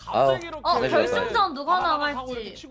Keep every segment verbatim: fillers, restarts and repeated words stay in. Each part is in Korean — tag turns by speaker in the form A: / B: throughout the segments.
A: 어 결승전 누가 나갈지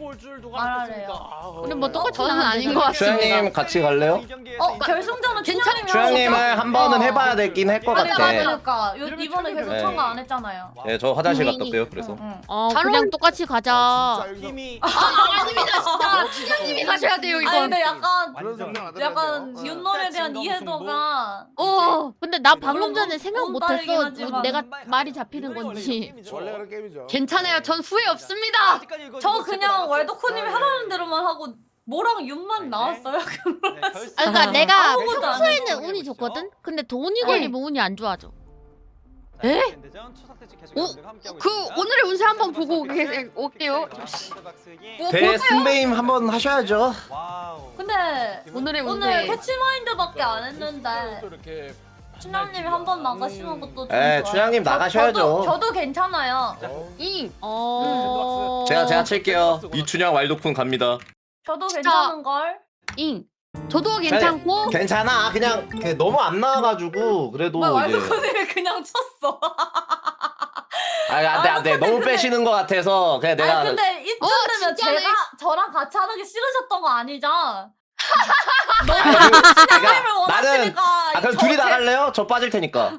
B: 근데 뭐 똑같이 저는 아닌 것
C: 추양님
B: 같습니다.
C: 같이 갈래요?
A: 어 결승전은 춘향님이랑
C: 추양님을 한 번은
A: 어.
C: 해봐야 되긴 할 것
A: 그러니까
C: 같아.
A: 그러니까 요- 이번에 계속
C: 네.
A: 참가 안 했잖아요.
C: 네, 저 화장실 갔다 올게요. 그래서.
A: 응.
D: 어
B: 잘
D: 그냥
B: 어울-
D: 똑같이 가자.
E: 힘이
B: 아닙니다 진짜 춘향님이 가셔야 돼요
A: 아니
B: 이건.
A: 근데 약간
E: 완전
A: 약간
E: 어.
A: 윤놀에 대한 이해도가
B: 어
D: 근데 나
A: 물론
D: 방금 전에
A: 너무
D: 생각
A: 빠르긴
D: 못했어.
A: 하지만
D: 내가 말이 잡히는 건지.
E: 원래 그런 게임이죠.
B: 괜찮아요. 전 후회 없습니다.
A: 저 그냥 왈도코님이 하라는 대로만 하고 뭐랑 윤만 나왔어요.
D: 아, 그러니까 내가
A: 아무것도 안
D: 평소에는 운이 좋거든. 근데 돈이 걸리면 운이 안 좋아져.
B: 에? 오, 그 오늘의 운세 한번 보고 오게- 올게요. 뭐 볼까요?
C: 대승배임 한번 하셔야죠.
A: 근데
B: 오늘의
A: 오늘
B: 운세.
A: 캐치마인드밖에 안 했는데
E: 이렇게
A: 춘향님이 한 번 나가시는 것도 좀
C: 에,
A: 좋아요.
C: 춘향님
A: 저-
C: 나가셔야죠.
A: 저도, 저도 괜찮아요.
B: 이
D: 어.
C: 제가 제가 칠게요. 이춘향 왈도쿤 갑니다.
A: 저도
B: 진짜.
A: 괜찮은 걸.
B: 잉. 저도 괜찮고.
C: 괜찮아. 그냥 그 너무 안 나와가지고 그래도
A: 뭐
C: 이제.
A: 왈도코님이 그냥 쳤어.
C: 아, 안돼 안돼. 너무 빼시는 것 같아서 그냥 내가.
A: 아니 근데 이쯤
B: 어,
A: 되면
B: 진짜네.
A: 제가 저랑 같이 하는 게 싫으셨던 거 아니죠?
C: 아니, 그러니까
A: 춘향님을
C: 나는
A: 원하시니까.
C: 아 그럼
A: 저-
C: 둘이
A: 제-
C: 나갈래요? 저 빠질 테니까.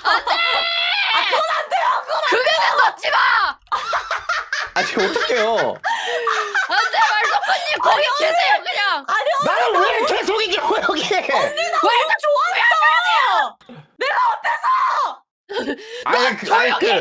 B: 넣지 마.
C: 아니 어떡해요?
B: 안돼 말도코님 거기 계세요 그냥.
C: 나는 왜 계속 이겨 여기?
A: 너무 좋았어.
C: 아니 그 아니 그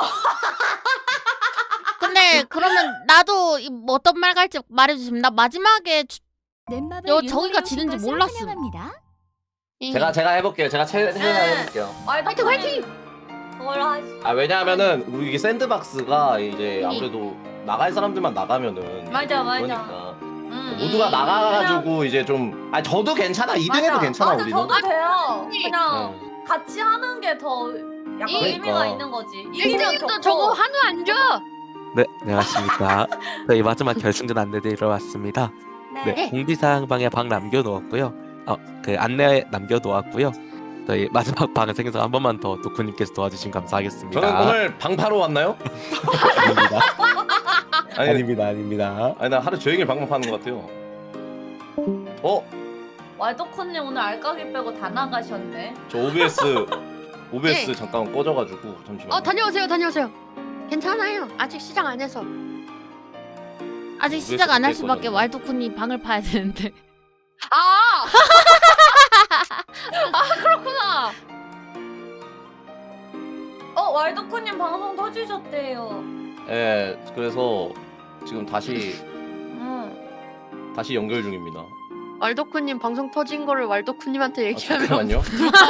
D: 근데 그러면 나도 이- 뭐 어떤 말 갈지 말해주시면 나 마지막에 주- 여 저기가 지는지 몰랐음.
C: 제가 제가 해볼게요. 제가 최 최대한
A: 네.
C: 해볼게요.
A: 화이팅
B: 화이팅!
A: 그걸 하시.
C: 아 왜냐하면은 우리 이게 샌드박스가 이제 아무래도 나갈 사람들만 나가면은
A: 맞아, 맞아.
C: 그러니까
A: 음.
C: 모두가 나가가지고 이제 좀 아 저도 괜찮아 이 등 해도
A: 맞아.
C: 괜찮아
A: 맞아,
C: 우리는.
A: 저도 돼요. 그냥
C: 네.
A: 같이 하는 게 더 약간
C: 그러니까.
A: 의미가 있는 거지. 이기면
B: 일등님도
A: 좋고.
B: 저거 한우 안 줘.
F: 네, 안녕하십니까. 저희 마지막 결승전 안내드리러 왔습니다. 네, 공지사항방에 방 남겨놓았고요. 어, 그 안내 남겨놓았고요. 저희 마지막 방송에서 한 번만 더 도쿠님께서 도와주시면 감사하겠습니다.
C: 저는 오늘 방파로 왔나요?
F: 아닙니다.
C: 아니,
F: 아닙니다, 아닙니다.
C: 아니 나 하루 종일 방송하는 것 같아요. 어?
A: 왈도코님 오늘 알까기 빼고 다 나가셨네.
C: 저 오비에스 오비에스
B: 네.
C: 잠깐 꺼져가지고 잠시만.
B: 어 다녀오세요 다녀오세요. 괜찮아요. 아직 시작 안 해서.
D: 아직
C: 왜
D: 시작 안 할
C: 그렇게
D: 수밖에
C: 꺼졌나?
D: 왈도쿤이 방을 파야 되는데.
B: 아. 아 그렇구나.
A: 어 왈도코님 방송 터지셨대요.
C: 예, 그래서 지금 다시
A: 응.
C: 다시 연결 중입니다.
B: 왈도쿠님 방송 터진 거를 왈도쿠님한테
C: 아,
B: 얘기하면.
C: 잠깐만요.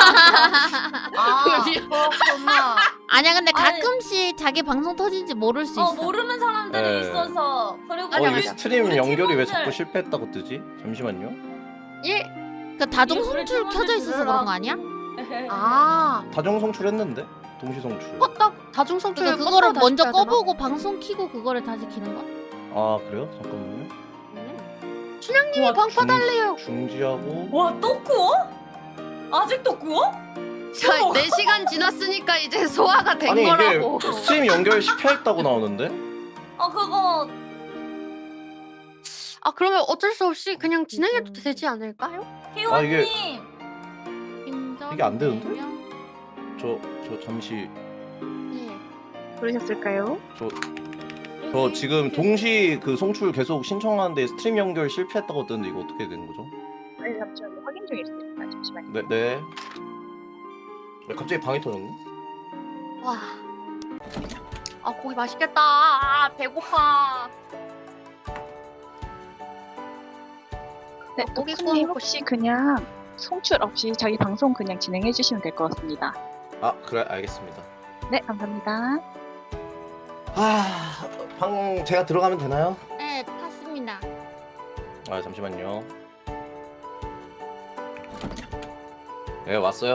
A: 아
B: 그러지.
A: 그렇구나.
D: 아니야 근데
A: 아니.
D: 가끔씩 자기 방송 터진지 모를 수
A: 어
D: 있어.
A: 모르는 사람들이
C: 네.
A: 있어서 그리고
B: 맞아,
C: 어 이게
B: 맞아.
C: 스트림
A: 우리
C: 연결이 왜
A: 팀원들-
C: 자꾸 실패했다고 뜨지? 잠시만요.
B: 예.
D: 그 다중
A: 우리
D: 송출
A: 팀원들
D: 켜져 있어서 그런 거
A: 들으라고.
D: 아니야?
B: 아.
C: 다중 송출했는데 동시 송출.
B: 껐다 다중 성출.
D: 그러니까 그거를 먼저 꺼보고 방송 켜고 그거를 다시 키는 거야?
C: 아 그래요? 잠깐만요.
B: 춘향님이
A: 와,
B: 방
C: 중-
B: 꺼달래요.
C: 중지하고.
A: 와 또 구워? 아직도 구워?
B: 자, 네 시간 지났으니까 이제 소화가 된
C: 아니
B: 거라고.
C: 이게 스트림 연결 실패했다고 나오는데?
A: 어 그거
B: 아 그러면 어쩔 수 없이 그냥 진행해도 되지 않을까요?
C: 아, 이게-
A: 희원님
C: 이게 안 되는데? 저 저 잠시
B: 네.
G: 그러셨을까요?
C: 저 저 지금 동시 그 송출 계속 신청하는데 스트림 연결 실패했다고 뜨는데 이거 어떻게 된 거죠?
G: 네, 잠시만요. 확인 중에 있습니다. 잠시만요.
C: 네 네. 왜 갑자기 방이 터졌네?
B: 와. 아 고기 맛있겠다. 아, 배고파.
G: 네,
B: 고기
G: 도쿠님
B: 구워 먹고
G: 혹시 그냥 송출 없이 자기 방송 그냥 진행해 주시면 될 것 같습니다.
C: 아 그래 알겠습니다.
G: 네, 감사합니다.
C: 아, 방 제가 들어가면 되나요?
D: 네 탔습니다.
C: 아 잠시만요. 네 왔어요.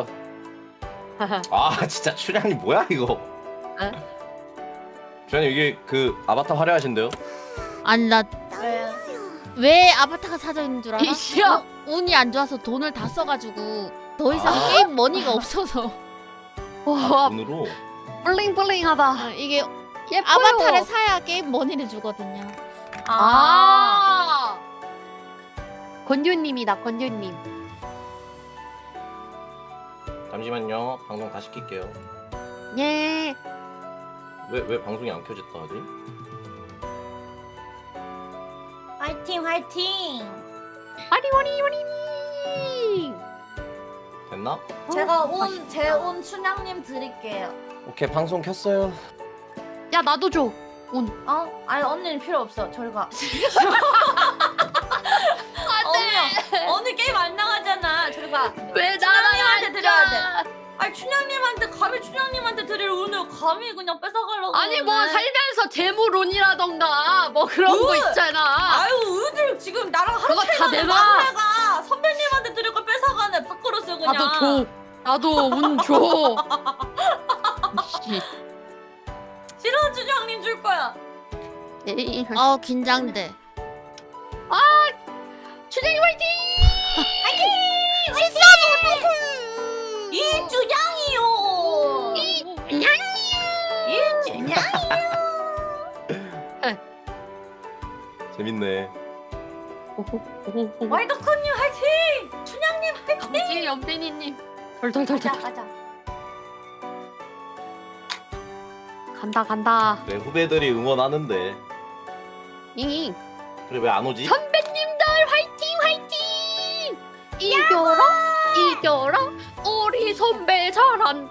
C: 아 진짜 춘향님 뭐야 이거?
B: 에?
C: 춘향님 이게 그 아바타 화려하신데요?
D: 아니 나 왜
A: 왜?
D: 아바타가 사져 있는 줄 알아?
B: 이씨야.
D: 어, 운이 안 좋아서 돈을 다 써가지고 더 이상
C: 아.
D: 게임 머니가 없어서
B: 와
C: 돈으로
B: 블링블링하다.
D: 어, 이게
B: 예뻐요.
D: 아바타를 사야 게임 머니를 주거든요.
B: 아. 권유님이다 권유님.
C: 잠시만요. 방송 다시 킬게요.
B: 예.
C: 왜 왜 방송이 안 켜졌다 하지?
A: 화이팅 화이팅.
B: 와리와리와리.
C: 됐나?
A: 제가 온 제 온 춘향님 드릴게요.
C: 오케이 방송 켰어요.
B: 야 나도 줘.
A: 어? 아니 언니는 필요 없어. 저리 가. 언니 언니 게임 안 나가잖아. 저리 가.
B: 왜
A: 춘향님한테 드려야 돼. 아니 춘향님한테 감히 춘향님한테 드릴 운을 감히 그냥 뺏어가려고.
B: 아니 뭐
A: 그러네.
B: 살면서 재물운이라던가 뭐 그런 거
A: 으!
B: 있잖아.
A: 아유 의들 지금 나랑 하루
B: 그거
A: 차이
B: 다
A: 나는
B: 내놔.
A: 막내가 선배님한테 드릴 걸 뺏어가네. 밖으로 쓰 그냥.
B: 나도 줘. 나도 운 줘.
A: 싫어 춘향님 줄 거야.
B: 에이.
D: 어 긴장돼.
B: 춘향이 화이팅!
A: 이 춘향이요. 이 춘향.
C: 재밌네.
A: 와이더쿤님 화이팅. 춘향님 화이팅.
B: 아버지 연빈이님.
A: 가자
B: 덜덜덜덜.
A: 가자.
B: 간다 간다.
C: 내 후배들이 응원하는데
B: 잉잉.
C: 그래 왜 안 오지?
B: 선배님들 화이팅 화이팅! 이겨라 이겨라 우리 선배 잘한다.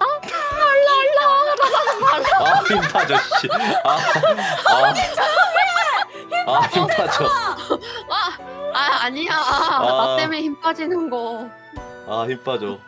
B: 랄랄라.
C: 아 힘타죠 씨. 아, 아, 아 힘타죠.
B: 아, 아 아니야. 나 때문에 힘 빠지는 거.
C: 아 힘빠져.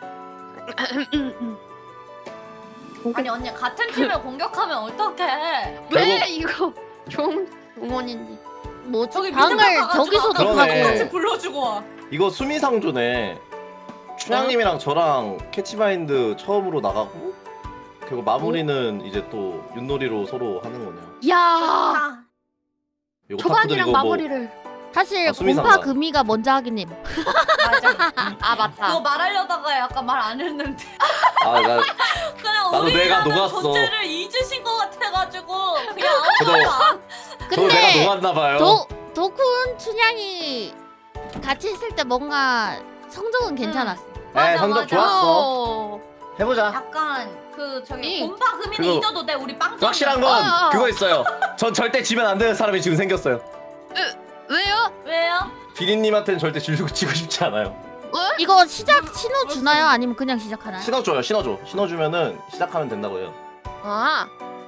A: 아니 언니 같은 팀을 공격하면 어떡해?
B: 왜 이거 좋은 응원인지.
D: 뭐
A: 저기
D: 방을
A: 미드방 가가지고
D: 저기서도
A: 아까
C: 그러네.
D: 하고.
A: 같이 불러주고 와.
C: 이거 수미상조네. 춘향님이랑 저랑 캐치마인드 처음으로 나가고 그리고 마무리는 이제 또 윷놀이로 서로 하는 거네요.
B: 야
A: 아,
C: 이거
B: 초반이랑
C: 타쿠들 이거 뭐
B: 마무리를.
D: 사실
C: 아, 수미상관.
D: 공파 금이가 먼저 하긴 해.
A: 맞아.
B: 아 맞다.
A: 그거 말하려다가 약간 말 안 했는데
C: 아, 나
A: 그냥
C: 나도 내가
A: 우리라는
C: 녹았어.
A: 존재를 잊으신 것 같아가지고 그냥 아무
C: 저도-
A: 말도 안.
C: 저 내가
D: 근데
C: 녹았나 봐요.
D: 도 도쿤 춘향이 같이 있을 때 뭔가 성적은 괜찮았어.
C: 네,
A: 맞아,
C: 성적
A: 맞아.
C: 좋았어.
B: 어.
C: 해보자.
A: 약간 그 저기
B: 이-
A: 곰파 금이는
C: 그거-
A: 잊어도 돼 우리 빵점.
C: 확실한 건
B: 어.
C: 그거 있어요. 전 절대 지면 안 되는 사람이 지금 생겼어요.
B: 왜요?
A: 왜요?
C: 비린님한테는 절대 지고 지고 싶지 않아요.
D: 이거 시작 신호 주나요? 아니면 그냥 시작하나요?
C: 신어 줘요. 신어 줘. 신어 주면은 시작하면 된다고 해요.
B: 아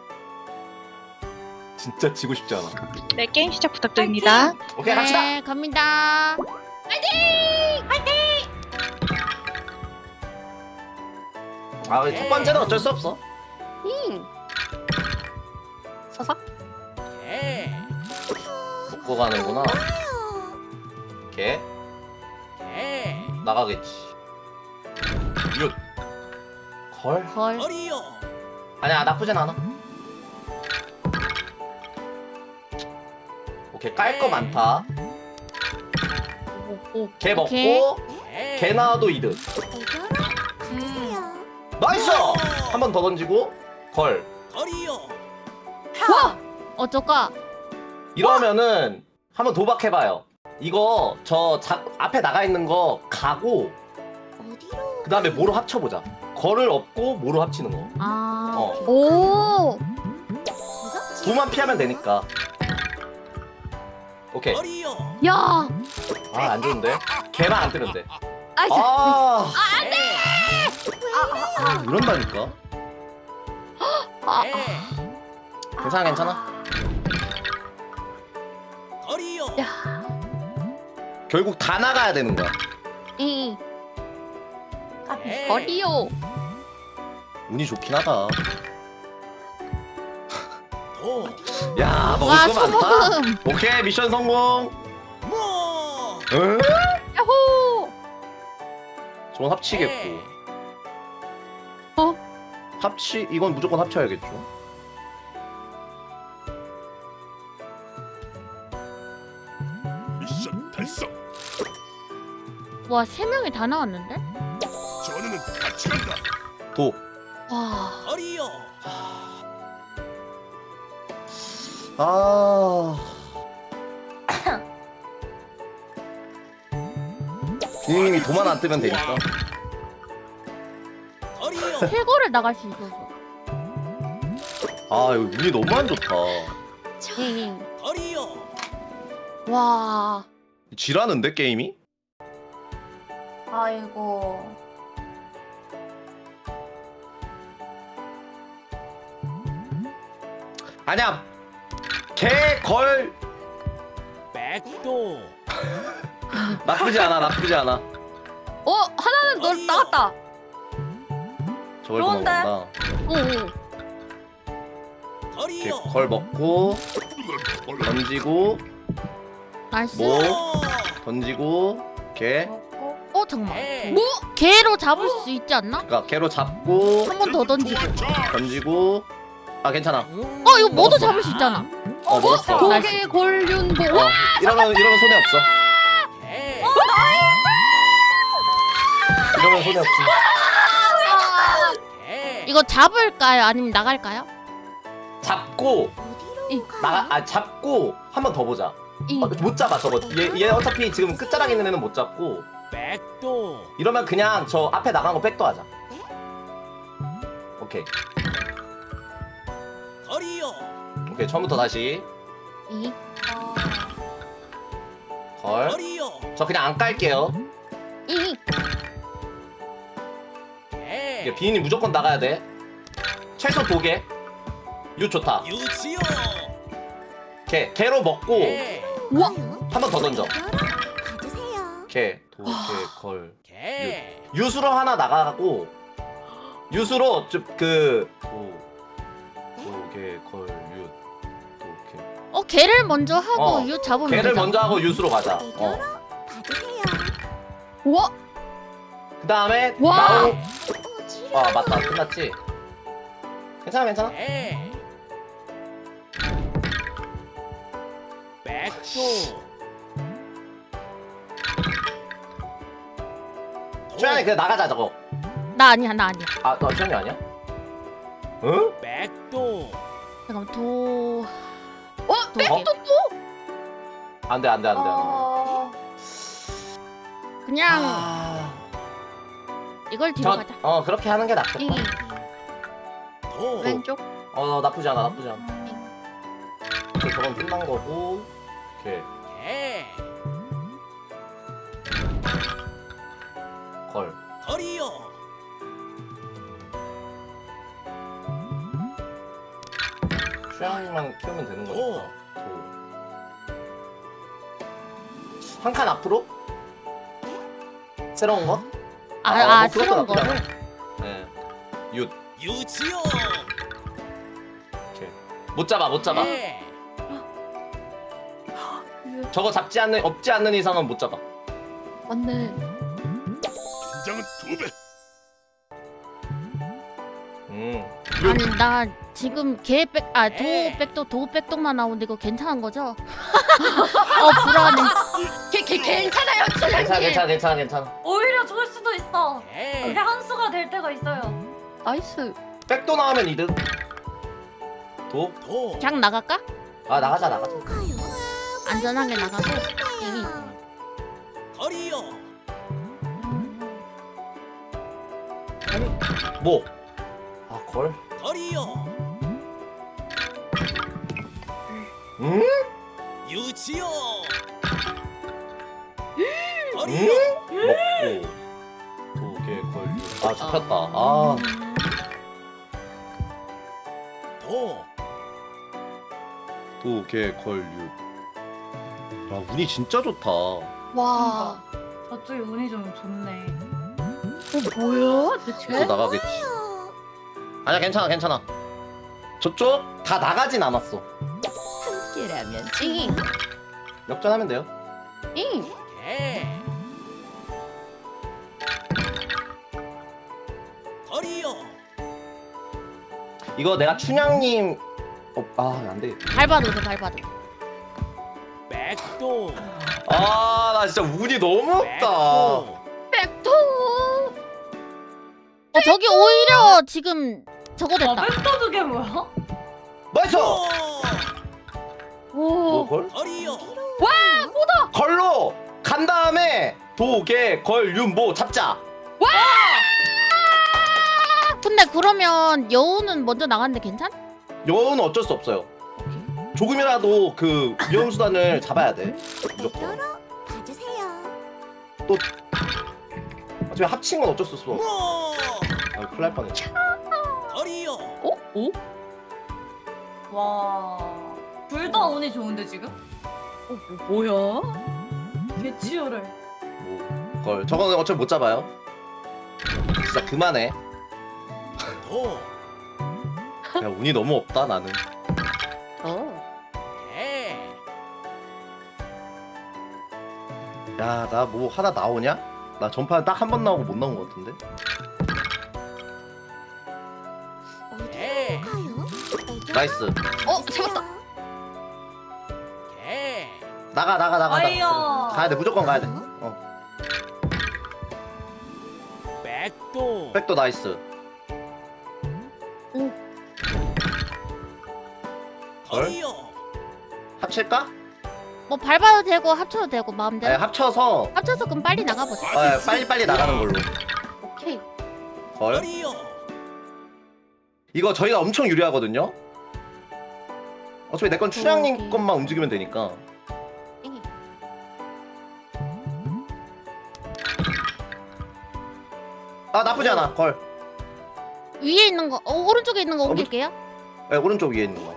C: 진짜 지고 싶지 않아.
G: 네, 게임 시작 부탁드립니다.
C: 오케이 갑시다.
D: 네, 갑니다.
C: 아, 첫 번째는 어쩔 수 없어.
B: 잉. 서삭.
C: 먹고 가는구나. 오케이. 나가겠지. 윷. 걸?
D: 걸.
C: 아니야 나쁘진 않아. 오케이 깔 거 많다. 개 먹고
D: 오케이.
C: 개 나와도 이득. 나이스! 한 번 더 던지고 걸.
D: 어쩔까?
C: 이러면은 한번 도박해봐요. 이거 저 자, 앞에 나가 있는 거 가고 그 다음에 뭐로 합쳐보자. 걸을 업고 뭐로 합치는 거.
D: 아.
C: 어.
D: 오.
C: 두만 피하면 되니까. 오케이.
B: 야.
C: 아 안 좋은데? 개만 안 뜨면 돼.
B: 아, 저-
C: 아,
A: 아, 아,
C: 이런다니까.
B: 아,
C: 괜찮아 괜찮아.
B: 야.
C: 결국 다 나가야 되는 거야.
B: 잉.
A: 아,
B: 거리요.
C: 운이 좋긴 하다. 야 먹을
D: 와,
C: 거 많다.
D: 소모금.
C: 오케이 미션 성공. 응?
B: 야호.
C: 저건 합치겠고.
B: 어?
C: 합치 이건 무조건 합쳐야겠죠.
E: 미션 달성.
D: 와, 세 명이 다 나왔는데?
E: 전우는 같이 간다.
C: 도.
B: 와.
E: 어리요.
C: 아. 비님이 도만 안 뜨면 되니까.
D: 최고를 나갈 수 있어서.
C: 아, 이거 운이 너무 안 좋다.
D: 응. 와.
C: 지라는데 게임이?
A: 아이고.
C: 아니야. 개걸
E: 백도
C: 나쁘지 않아. 나쁘지 않아.
D: 어 하나는 널 나갔다.
C: 저걸
A: 좋은데?
C: 도망간다.
D: 응.
C: 이렇게 걸 먹고 던지고
D: 나이스.
C: 뭐 던지고 개.
A: 먹고.
D: 어 잠깐만. 뭐 개로 잡을 수 있지 않나?
C: 그러니까 개로 잡고
D: 한 번 더 던지고.
C: 던지고. 아 괜찮아.
D: 어 이거 뭐도 잡을 수 있잖아.
C: 어 먹었어.
D: 고개 골륜보.
C: 어, 이러면 이러면 손해 없어. 이러면 손해 없지.
D: 이거 잡을까요? 아니면 나갈까요?
C: 잡고
D: 이.
C: 나가 아 잡고 한 번 더 보자.
D: 이.
C: 어, 못 잡아 저거. 얘, 얘 어차피 지금 끝자락 있는 애는 못 잡고.
E: 백도
C: 이러면 그냥 저 앞에 나간 거 백도 하자. 오케이.
E: 거리요
C: 오케이 처음부터 다시.
D: 이.
C: 걸.
E: 거리요
C: 저 그냥 안 깔게요.
D: 이.
C: 이게 비인이 무조건 나가야 돼. 최소 두 개. 유 좋다.
E: 유치요
C: 개 개로 먹고
D: 우와.
C: 한 번 더 던져. 개, 도, 개, 걸.
E: 개
C: 유수로 하나 나가고 유수로 그 도, 도, 개, 걸, 유, 도, 개.
D: 어 개를 먼저 하고
C: 어,
D: 유 잡으면
C: 개를
D: 되잖아.
C: 먼저 하고 유수로 가자. 어.
D: 우와.
C: 그 다음에
D: 와.
C: 나오. 아 맞다 끝났지. 괜찮아 괜찮아.
E: 개 백도
C: 최현이 그냥 나가자 저거.
D: 나 아니야 나 아니야.
C: 아너 최현이 아니야? 응?
E: 백도
D: 잠깐만 도. 어?
C: 어?
D: 백도 또?
C: 안돼 안돼 안돼 안돼.
A: 어...
D: 그냥
C: 아...
D: 이걸 뒤로
C: 저,
D: 가자.
C: 어 그렇게 하는 게 낫겠다.
D: 이.
E: 도
D: 왼쪽.
C: 어 나쁘지 않아 나쁘지 않아. 오케이, 저건 끝난 거고. 오케이
E: 개
C: 걸.
E: 거리요
C: 취향만 키우면 되는
E: 도
C: 거니까. 한 칸 앞으로? 새로운 거?
D: 아,
C: 아,
D: 아,
C: 뭐 그것도
D: 새로운
C: 나쁘지
D: 거를.
C: 네. 윷.
E: 유치요
C: 오케이. 못 잡아 못 잡아.
E: 개
C: 저거 잡지 않는 없지 않는 이상은 못 잡아.
D: 맞네.
E: 긴장은 두배
C: 음.
D: 아니 나 지금 개백아도
E: 에.
D: 백도 도 백도만 나오는데 이거 괜찮은 거죠? 어 불안해. 개, 개, 괜찮아요
C: 괜찮아 괜찮아 괜찮아 괜찮아.
A: 오히려 좋을 수도 있어.
E: 개
A: 근데 한 수가 될 때가 있어요.
D: 나이스.
C: 백도 나오면 이득. 도?
E: 도
D: 그냥 나갈까?
C: 아 나가자 나가자.
D: 안전하게 나가고. 이.
E: 거리요
C: 뭐? 아 걸?
E: 거리요
C: 응?
E: 유치요
C: 응?
E: 거리요
C: 먹고 도, 개, 걸, 유. 아 잡혔다. 아
E: 도
C: 도, 개, 걸, 유. 야 운이 진짜 좋다.
D: 와.
A: 저쪽이 운이 좀 좋네.
D: 어 뭐야 대체?
C: 또 나가겠지. 아니야 괜찮아 괜찮아. 저쪽 다 나가진 않았어.
D: 함께라면 잉.
C: 역전하면 돼요.
D: 잉.
E: 개 거리요
C: 이거 내가 춘향님 어, 아 안돼.
D: 밟아도 돼 밟아도.
E: 백도
C: 아 나 진짜 운이 너무 없다.
E: 백도
D: 백도. 어 저기 오히려 지금 저거
A: 아,
D: 됐다.
A: 백도 두개 뭐야?
C: 나이스. 뭐
B: 오.
C: 걸?
E: 거리요.
C: 걸로 간 다음에 도개 걸윤모 잡자.
D: 근데 그러면 여우는 먼저 나갔는데 괜찮?
C: 여우는 어쩔 수 없어요. 조금이라도 그 위험 수단을 잡아야 돼. 무조건.
H: 봐주세요.
C: 어차피 합친 건 어쩔 수 없어.
E: 뭐
C: 아, 큰일 날 뻔했네.
E: 거리요.
A: 어? 오? 와. 둘 다 운이 좋은데 지금? 어, 뭐, 뭐야? 개치열해.
C: 뭐, 걸. 저거는 어차피 못 잡아요. 진짜 그만해.
E: 도.
C: 야, 운이 너무 없다 나는.
B: 어.
E: 개.
C: 야, 나 뭐 하나 나오냐? 나 전판 딱 한 번 나오고 못 나온 것 같은데.
E: 개.
H: 가요?
C: 나이스.
D: 어 잡았다.
E: 개.
C: 나가 나가 나가.
A: 아이야.
C: 나가. 가야 돼. 무조건 가야 돼. 어.
E: 백도.
C: 백도 나이스. 걸?
E: 거리요.
C: 합칠까?
D: 뭐 밟아도 되고 합쳐도 되고
C: 네,
D: 마음대로.
C: 합쳐서
D: 합쳐서 그럼 빨리 나가보자.
C: 어, 빨리 빨리 나가는 걸로.
D: 오케이.
C: 걸.
E: 거리요.
C: 이거 저희가 엄청 유리하거든요. 어차피 내 건 춘향님
D: 오케이.
C: 것만 움직이면 되니까.
D: 땡이.
C: 아 나쁘지 않아. 걸.
D: 위에 있는 거, 어, 오른쪽에 있는 거
C: 어, 뭐-
D: 옮길게요.
C: 네, 오른쪽 위에 있는 거.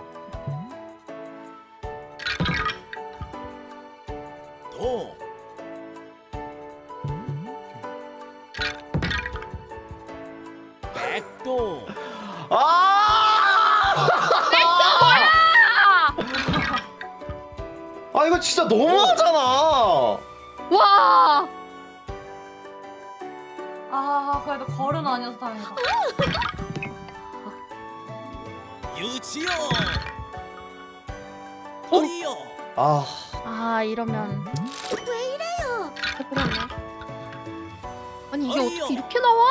E: 도. 백도.
C: 아! 아 이거 진짜 너무하잖아.
D: 와.
A: 아, 그래도 걸은 아니어서 다행이다.
E: 유치요. 거리요.
C: 아
D: 아 이러면.
H: 왜 이래요?
D: 그러네. 아니 이게
E: 어이요.
D: 어떻게 이렇게 나와?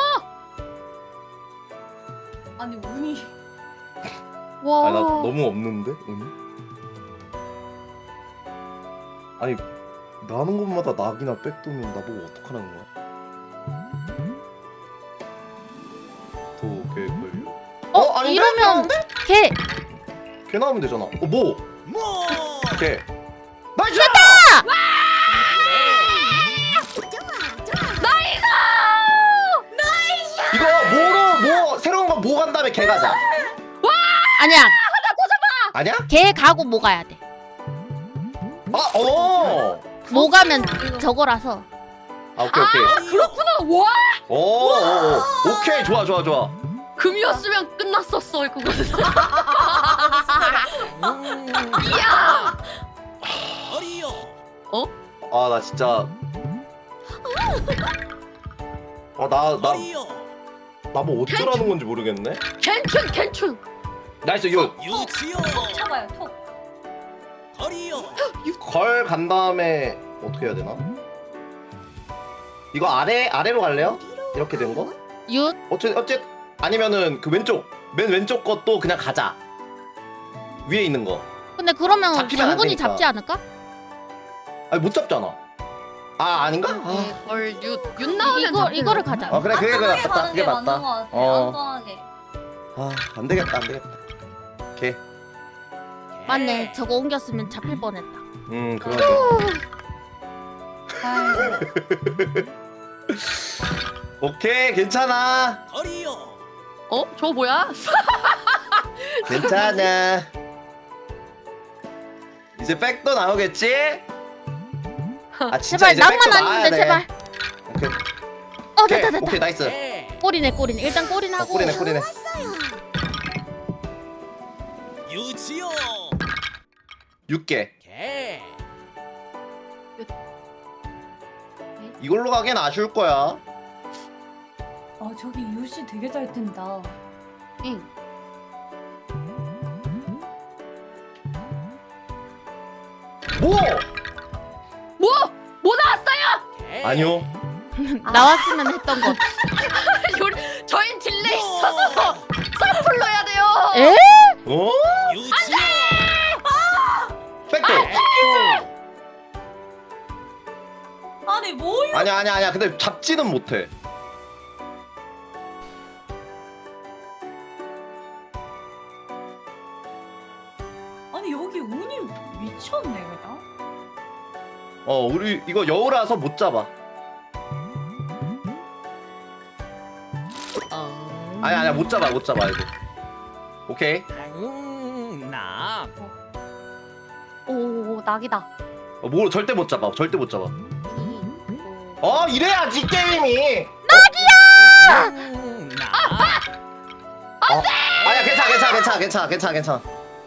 A: 아니, 운이.
D: 와.
C: 아니 나 너무 없는데 운이? 아니 나는 것마다 낙이나 백도면 나보고 어떡하라는 거야? 도개 걸려.
D: 어,
C: 아닌데?
D: 이러면 개.
C: 개 나오면 되잖아. 어 뭐?
E: 뭐.
C: 개. 나이스! 이거 뭐로 뭐 새로운 거 뭐 간 다음에 개 가자.
D: 아니야.
C: 아니야?
D: 개 가고 뭐 가야 돼.
C: 아 어.
D: 뭐 가면 저거라서.
C: 아 오케이 오케이.
B: 그렇구나. 와.
C: 오, 오, 오. 오케이 좋아 좋아 좋아.
B: 금이었으면 끝났었어 그거는.
E: 이야. 거리요.
C: 아 나 진짜. 아나나나
E: 거리요.
C: 뭐 어쩌라는 건지 모르겠네.
B: 괜춘 괜춘.
C: 나이스 유.
E: 유치요.
A: 톡 쳐봐요, 톡.
E: 거리요.
C: 걸 간 다음에 어떻게 해야 되나? 이거 아래 아래로 갈래요? 이렇게 된 거?
D: 윷.
C: 어째 어째 아니면은 그 왼쪽 맨 왼쪽 것도 그냥 가자. 위에 있는 거.
D: 근데 그러면
C: 잡히면 안
D: 장군이
C: 되니까.
D: 잡지 않을까?
C: 아니 못 잡잖아. 아 아닌가? 아,
B: 걸윷윷 나오면
D: 이거 이거를 가자.
C: 아 그래 그게 그게
A: 안전하게
C: 맞다.
A: 가는
C: 그게
A: 게 맞는 것
C: 맞다.
A: 같아.
C: 어.
A: 안전하게.
C: 아안 되겠다 안 되겠다. 오케이.
D: 맞네. 저거 옮겼으면 잡힐 뻔했다.
C: 음 그러게.
A: 아이고.
C: 오케이 괜찮아.
E: 거리요.
B: 어? 저거 뭐야?
C: 괜찮아. 이제 백도 나오겠지? 아 진짜
D: 제발
C: 이제
D: 낭만
C: 백도 나와야
D: 아닌데
C: 돼.
D: 제발.
C: 오케이.
D: 어
C: 오케이
D: 됐다 됐다.
C: 오케이 나이스.
E: 개.
D: 꼬리네 꼬리네. 일단 꼬리는
C: 어,
D: 하고.
C: 꼬리네 꼬리네.
E: 유치요.
C: 육 개.
E: 개.
C: 이걸로 가기엔 아쉬울 거야.
A: 아, 저기 유씨 되게 잘 뜬다.
B: 응.
C: 뭐?
B: 뭐? 뭐 나왔어요?
E: 개.
C: 아니요.
D: 나왔으면 했던 것.
B: 요리 저희 딜레이 있어서 서플로 해야 돼요.
D: 에?
C: 어?
E: 유치요.
C: 백도 아니야 아니야 아니야. 근데 잡지는 못해.
A: 아니 여기 운이 미쳤네 그냥.
C: 어 우리 이거 여우라서 못 잡아. 아니야 아니야 못 잡아 못 잡아 이거. 오케이.
E: 음, 나.
B: 오 낙이다.
C: 어, 뭐 절대 못 잡아 절대 못 잡아. 어 이래야지 게임이.
E: 음, 나.
C: 어, 아니야 괜찮아 괜찮아 괜찮아 괜찮아 괜찮아 괜찮아.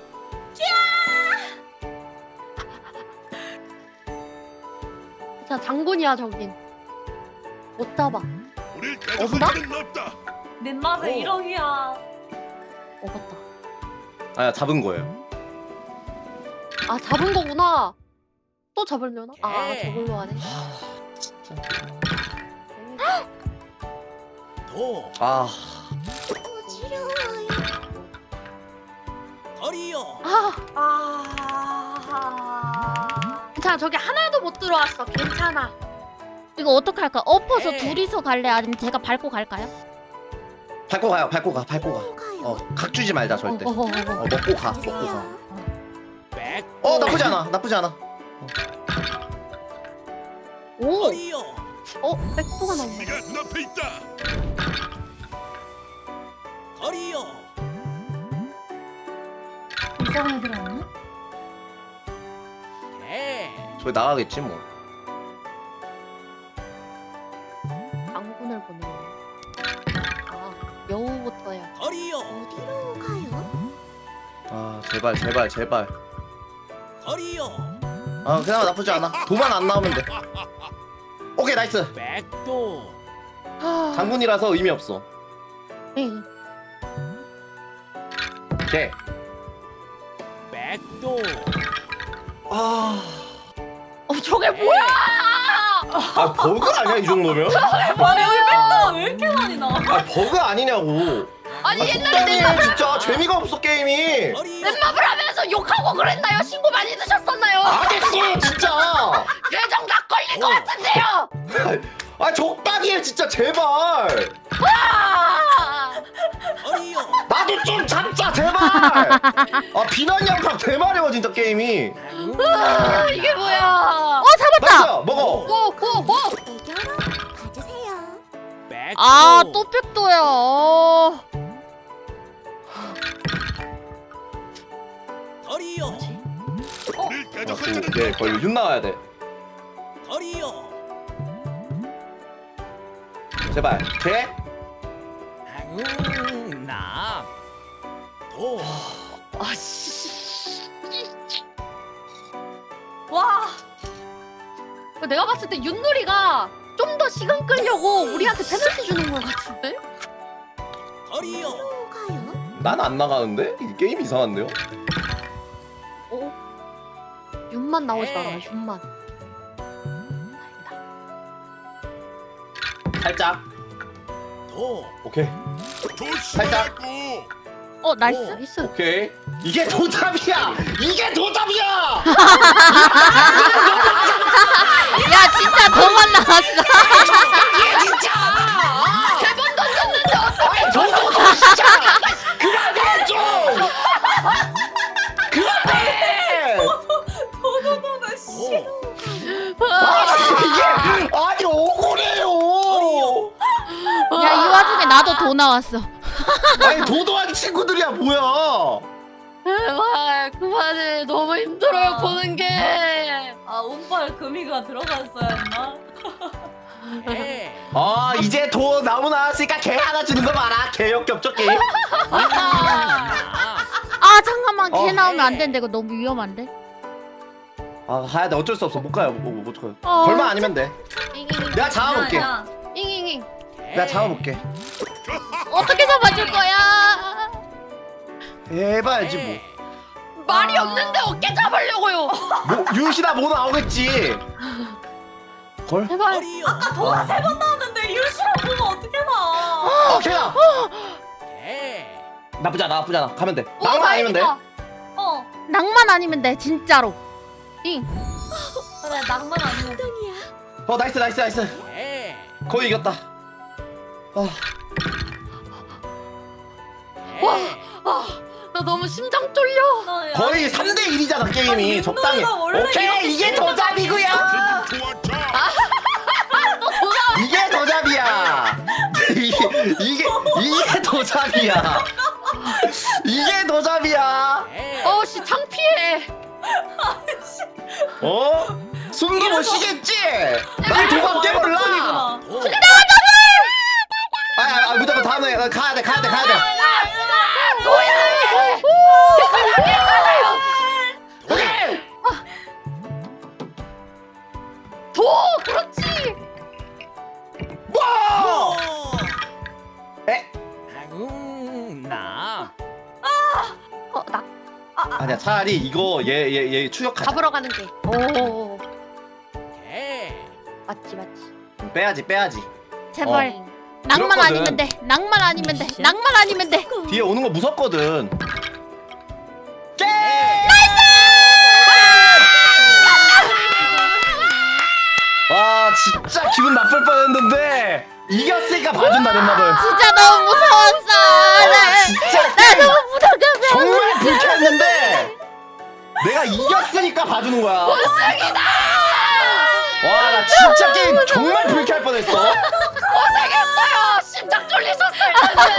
B: 자 장군이야 저긴. 못 잡아.
C: 어수다?
A: 내 맛에
E: 오.
A: 일억이야.
B: 먹었다.
C: 아니야 잡은 거예요.
B: 아 잡은 거구나. 또 잡으려나? 아
E: 오케이.
B: 저걸로 하네.
E: 도.
C: 아
H: 어지러워요.
E: 거리요.
B: 아
A: 아.
B: 괜찮아. 저기 하나도 못 들어왔어. 괜찮아.
D: 이거 어떡할까? 엎어서
E: 네.
D: 둘이서 갈래? 아니면 제가 밟고 갈까요?
C: 밟고 가요 밟고 가 밟고 가.
H: 또 가요.
C: 어 각주지 말자 절대.
B: 어, 어, 어, 어.
C: 어 먹고 가 먹고 가.
H: 가주세요.
E: 백.
C: 어 나쁘지 않아 나쁘지 않아.
B: 오.
E: 거리요.
B: 어 백도가 나온다.
E: 거리요.
A: 이상한 애들 아니야?
E: 개.
C: 저기 나가겠지 뭐.
B: 장군을 보내. 아 여우부터야.
E: 거리요.
H: 어디로 가요?
C: 아 제발 제발 제발.
E: 거리요.
C: 아 그나마 나쁘지 않아. 도만 안 나오면 돼. 오케이 나이스.
E: 백도.
B: 아,
C: 장군이라서 의미 없어.
B: 응.
C: 오케이.
E: 백도.
C: 아,
B: 어 저게 뭐야?
C: 아 버그 아니야 이 정도면?
A: 아니 여기 백도가 왜 이렇게 많이 나와?
C: 아 버그 아니냐고.
B: 아니
C: 아,
B: 옛날에
C: 적당히 해, 진짜 재미가 없어 게임이.
E: 거리요.
B: 랩마블 하면서 욕하고 그랬나요? 신고 많이 드셨었나요?
C: 알겠어 진짜.
B: 계정 다 걸릴 것
E: 어.
B: 같은데요.
C: 아 적당히 해 진짜 제발.
B: 아!
E: 거리요.
C: 나도 좀 잡자 제발. 아 비난 양파 대마려워 진짜 게임이.
B: 아, 이게 뭐야?
D: 어 잡았다.
C: 나이스 먹어.
B: 오오오
H: 애교로 가주세요.
E: 백도.
D: 아 또 백도야. 어.
E: 거리요.
C: 아, 오케이 거의 윤 나와야 돼.
E: 거리요.
C: 제발. 개.
E: 음, 나. 도.
B: 아씨.
A: 와.
B: 내가 봤을 때 윷놀이가 좀 더 시간 끌려고 우리한테 페널티 주는 것 같은데?
E: 거리요.
H: 어디로 가요?
C: 난 안 나가는데? 이 게임 이상한데요?
B: 어? 윷만 나오지 마라. 윷만. 다행이다.
C: 살짝.
E: 도.
C: 오케이. 살짝.
D: 어 나이스.
B: 나이스.
C: 오케이. 이게 도답이야. 이게 도답이야.
D: 야 진짜 더만 나왔어.
C: 이게 진짜.
B: 세번 던졌는데 어떡해?
C: 아니 저도 진짜. 그만해 좀. 그만해.
A: 도도도도 씨.
E: 도.
C: 아니 이게 아니 억울해요.
D: 야 이 와중에 나도 도 나왔어.
C: 아니 도도한 친구들이야 뭐야.
B: 제발 그만해. 너무 힘들어요
A: 아.
B: 보는 게.
A: 아 운빨 금이가 들어갔어야 했나?
E: 개.
C: 아 이제 도 나무 나왔으니까 개 하나 주는 거 봐라. 개 역겹죠 게임.
E: 나.
D: 아 잠깐만
C: 어.
D: 걔 나오면 안 되는데 이거 너무 위험한데.
C: 아 가야 돼 어쩔 수 없어 못 가요 못, 못, 못 가요.
D: 어,
C: 걸만 아니면 돼.
B: 잉잉잉.
C: 내가 잡아볼게.
A: 야,
B: 잉잉잉.
C: 내가 잡아볼게.
D: 어떻게 잡아줄 거야?
C: 해봐야지 뭐.
E: 개.
B: 말이
A: 아.
B: 없는데 어깨 잡으려고요.
C: 뭐 윤씨나 뭐 나오겠지. 걸?
B: 제발.
E: 거리요.
A: 아까 도가 세 번 나왔는데 율시랑 보면 어떻게 나?
C: 어 개야.
E: 개.
C: 나쁘지 않아 나쁘지 않아 가면 돼.
B: 오,
C: 나만 아니면 돼.
B: 다행이다.
A: 어.
D: 낭만 아니면 돼 진짜로. 잉.
A: 그래 낭만 아니고.
H: 엉덩이야.
C: 어 나이스 나이스 나이스.
E: 개.
C: 거의 이겼다. 아.
B: 와, 아, 나 너무 심장 쫄려.
A: 나
C: 거의 삼 대 일이잖아 게임이.
A: 아니,
C: 적당히.
A: 윤동이가 원래 이렇게
C: 오케이 이게 도잡이고요. 이게 도잡이야. 이게 이게 이게 도잡이야. 이게 도잡이야.
E: 개.
B: 어, 씨 창피해.
C: 어? 숨도 못 쉬겠지? 난 도박게 몰라.
A: 아,
E: 오.
C: 아, 아, 아 무조건 다음에 어, 가야 돼 가야 돼 가야 돼.
B: 도, 그렇지.
C: 와! 에?
E: 아유, 나.
B: 어, 나
C: 아니야 차라리 이거 얘 얘 얘 추격하자.
B: 잡으러 가는 게. 오,
E: 개.
B: 맞지, 맞지.
C: 빼야지 빼야지.
D: 제발
C: 어.
D: 낭만
C: 그렇거든.
D: 아니면 돼. 낭만 아니면 돼. 낭만 아니면 돼.
C: 뒤에 오는 거 무섭거든. 깨! 와 진짜 기분 나쁠 뻔했는데 이겼으니까 봐준다 넷마블.
D: 진짜 너무 무서웠어.
C: 아,
D: 나,
C: 진짜
D: 나 너무 무서워.
C: 정말 불쾌했는데 내가 이겼으니까 봐주는 거야. 와 나 진짜 게임 정말 불쾌할 뻔했어.
B: 고생했어요. 심장 쫄리셨어요.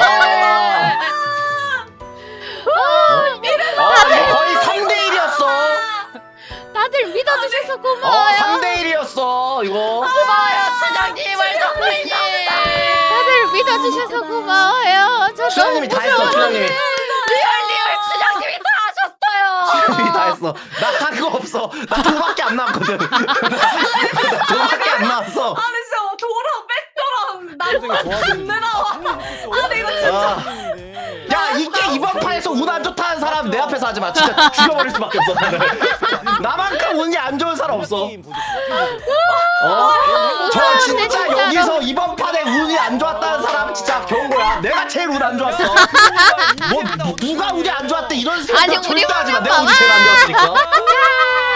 C: 아, 어, 이거 거의 삼 대 일이었어.
D: 다들 믿어주셔서
C: 어,
D: 고마워요.
C: 삼 대 일이었어 이거.
B: 고마워요, 춘향님, 월덕님.
D: 다들 믿어주셔서 고마워요. 저 너무
C: 춘향님이 다 했어 춘향님이.
B: 리얼 리얼 춘향님이 다 하셨어요.
C: 춘향님이 다 했어. 나 한 거 없어. 나 도밖에 안 남았거든. 나 도밖에 안 남았어.
A: 아니 진짜 도랑 백도랑 나 존내 나와. 아 근데 이거 진짜
C: 아. 야 이게 이번 판에서 운 안 좋다는 사람 내 앞에서 하지 마. 진짜 죽여버릴 수밖에 없어 나는. 나만큼 운이 안 좋은 사람 없어. 어? 저 진짜
D: 진짜로.
C: 여기서 이번 판에 운이 안 좋았다는 사람 진짜 겨운 거야. 내가 제일 운 안 좋았어. 뭐 누가 운이 안 좋았대 이런
D: 아니,
C: 생각
D: 우리
C: 절대 하지 마.
D: 운은
C: 내가 운이
D: 봐봐.
C: 제일 안 좋았으니까.